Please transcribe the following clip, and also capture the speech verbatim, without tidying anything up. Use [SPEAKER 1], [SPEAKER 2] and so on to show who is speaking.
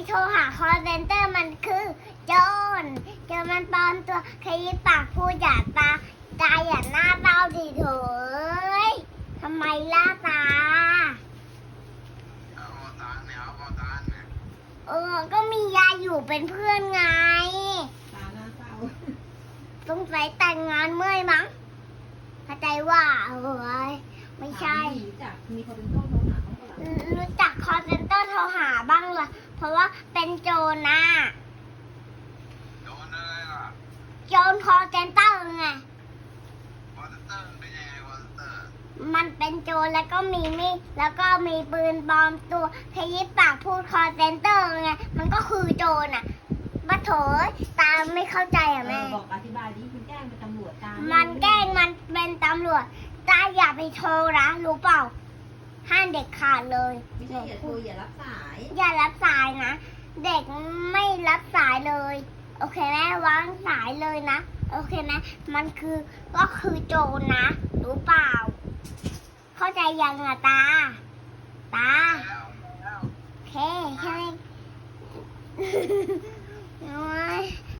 [SPEAKER 1] โทรหาคอลเซ็นเตอร์มันคือโจรโจรมันปลอมตัวขยี้ปากพูดอย่าตาตาอย่าหน้าเต้าดิเถอะทำไมล่าตา
[SPEAKER 2] เอาตังค์เนี่ยเอาตังค์เนี่ย
[SPEAKER 1] เออ ก็มียายอยู่เป็นเพื่อนไง
[SPEAKER 3] ตาหน้าเศร้า
[SPEAKER 1] สงสัยแต่งงานเมื่อยมั้งเข้าใจว่าเอ้ยไม่ใช่
[SPEAKER 3] รู้จักมีคนเป็นโทษโทรหาเขาเปล่า
[SPEAKER 1] รู้จักคอลเซ็นเตอร์โทรหาบ้างเหรอเพราะว่าเป็นโจรนะ
[SPEAKER 2] โดนเลยล่ะ
[SPEAKER 1] โจรคอลเซ็นเตอร์ไง
[SPEAKER 2] วอเตอร์เป็นยังไงวอเตอร์
[SPEAKER 1] มันเป็นโจรแล้วก็มีมีดแล้วก็มีปืนปลอมตัวขยี้ปากพูดคอลเซ็นเตอร์ไง มันก็คือโจรอ่ะมาโถยตาไม่เข้าใจอ่ะ
[SPEAKER 3] เอ
[SPEAKER 1] แม่
[SPEAKER 3] อบอกอธิบายดิคุณแกล้งเป็นตำรวจตาม
[SPEAKER 1] มันแกล้งมันเป็นตำรวจตาอย่าไปโทรนะรู้เปล่า ห้ามเด็กขาดเลย
[SPEAKER 3] ไม่ใช่อย่าโทรอย่ารับสาย
[SPEAKER 1] อย่ารับสายนะ เด็กไม่รับสายเลย โอเคไหมวางสายเลยนะ โอเคไหมมันคือก็คือโจรนะ รู้เปล่า เข้าใจยังอะตา ตา
[SPEAKER 2] แล้วแล้ว
[SPEAKER 1] โอเคแค่นี้